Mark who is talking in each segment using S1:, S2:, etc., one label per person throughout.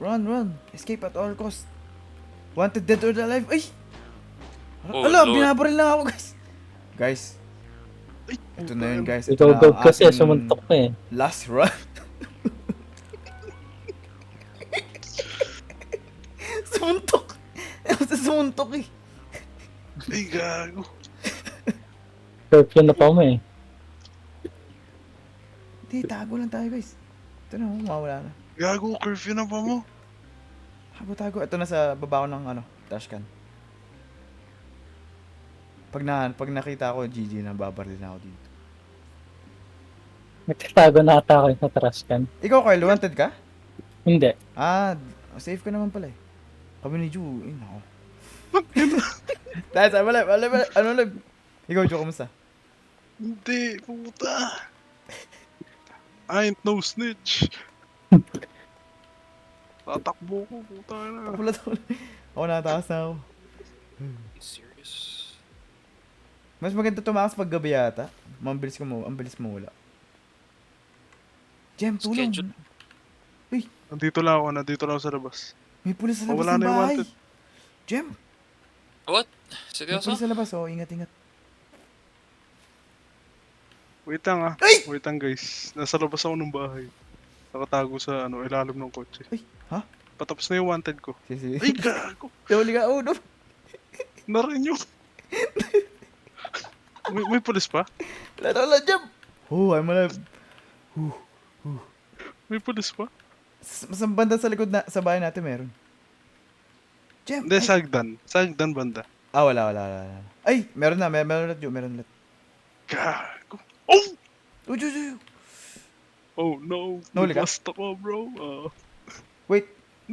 S1: Run. Escape at all costs. Wanted dead or alive. Ay!
S2: Oh,
S1: Ala,
S2: Lord.
S1: binabaril lang ako, guys. Guys,
S3: Ay,
S1: ito na yun, guys. Ito
S4: Ikaw
S1: na
S4: Gab
S1: ang
S4: kasi,
S1: aking
S4: sumuntok ka eh.
S1: last run. Sumuntok. Basta sumuntok eh.
S3: Ay, gago.
S4: Curfew na pa mo eh.
S1: Hindi, tago lang tayo, guys. Ito na, mawawala na.
S3: Gago, curfew na pa mo.
S1: Tago. Ito na sa baba ko ng dashcan. Pag nakita ko, GG na, babaril na ako dito.
S4: Nagtatago na ata ako sa trash can.
S1: Ikaw, Carl, wanted ka?
S4: Hindi.
S1: Safe ka naman pala eh. Kami ni Ju, nako. Dahil sa mali. Ano live? Ikaw, Ju, kamusta?
S3: Hindi, puta. I ain't no snitch. Tatakbo ko, puta na.
S1: Wala to. Ako natakas na ako.
S2: Serious?
S1: Mas maganda tumakas pag gabi yata. Ang bilis mo wala. Jem, tulong.
S2: Schedule.
S3: Nandito lang ako sa labas.
S1: May pulis sa labas
S3: Wala
S1: ng
S3: na yung
S1: bahay.
S3: wanted.
S1: Jem,
S2: What?
S1: may
S2: Seryoso?
S1: pulis sa labas. Oh, ingat.
S3: Wait lang
S1: Ay!
S3: Wait lang guys. Nasa labas ako ng bahay. Nakatago sa ilalim ng kotse.
S1: Ay, ha?
S3: Patapos na yung wanted ko.
S1: Sige.
S3: Ay, gago.
S1: Huli ka. Oh, no.
S3: Narin yung... may pulis pa?
S1: Wala, Jem. Oh, I'm alive.
S3: May pulis pa?
S1: Mas banda sa likod na, sa bahay natin meron. Jem,
S3: Hindi,
S1: ay.
S3: Sagdan banda.
S1: Wala. Ay, meron ulit, Ju, meron ulit.
S3: Gago. Oh!
S1: Oh, Ju.
S3: Oh no.
S1: Nahuli ka?
S3: Basta ko, bro.
S1: Wait.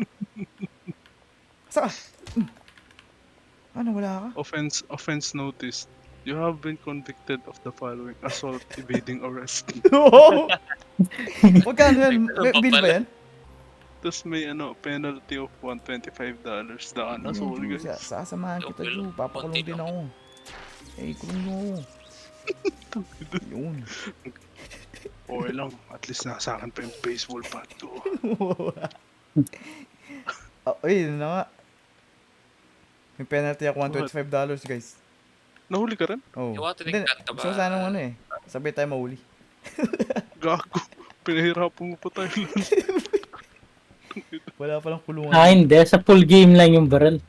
S1: Saan ka? Ano, wala ka?
S3: Offense noticed. You have been convicted of the following: assault, evading arrest.
S1: Oo! Magkano yan? May bill ba yan?
S3: Tapos may penalty of $125 daan na soul, guys.
S1: Sasamahan kita, Ju. Papakulong din ako. Eh, kulong mo ako. Yun.
S3: Okay lang, at least nasa akin pa yung baseball bat ko.
S1: Ay, yun na nga. May penalty ako $125, guys.
S3: Nahuli ka rin?
S1: Oh.
S2: Iwanan ka ba?
S1: Gusto ko sana sabay tayo mahuli.
S3: Gago. Pinahirapan mo pa tayo lang.
S1: Wala palang kulungan.
S4: Hindi. Sa full game lang yung barrel.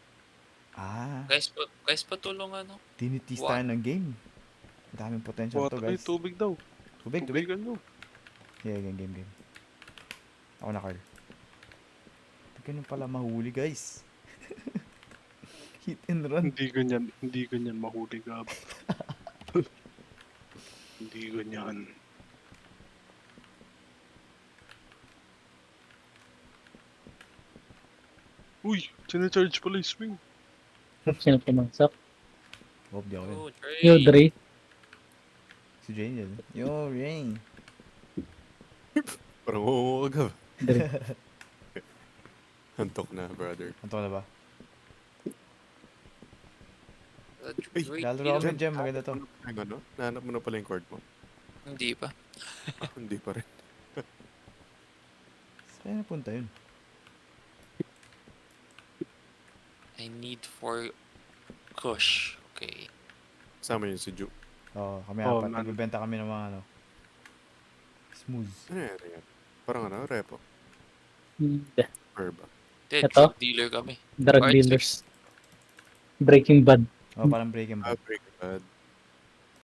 S2: Guys, patulungan no?
S1: Tinitis tayo ng game. Ang daming potential to,
S3: Ay,
S1: guys.
S3: tubig daw.
S1: Tubig.
S3: Tubigan nyo.
S1: Yeah, game. Ako na, Carl. Ganun pala mahuli, guys. Hit and run.
S3: Hindi ganyan mahuli, Gab. Hindi ganyan. Uy, sinacharge pala yung swing.
S4: Sino pumasok?
S1: Hope di ako yun.
S2: Oh, Dre.
S4: Yo, Dre.
S1: Si Jane yun. Yo, Rain.
S5: Parang oo ka.
S4: Dre.
S5: Antok na, brother.
S1: Anto ka na ba?
S2: Dre,
S1: Lalaro kami, Jem. Maganda to.
S5: Ang ano? Nahanap mo na pala yung cord mo.
S2: Hindi pa.
S5: Hindi pa rin.
S1: Saan napunta yun?
S2: I need for Kush. Okay.
S5: Kasama yun si Ju.
S1: Oo, kami
S3: Oh,
S1: apat.
S3: man.
S1: Nagbibenta kami ng mga smooth.
S5: Ano yan? Parang repo.
S4: Hindi.
S5: Herba.
S2: Dead,
S4: Ito?
S2: drug dealer kami.
S4: Drug
S2: Alright,
S4: dealers. Breaking Bad.
S1: Oh, parang break and
S5: Break bad.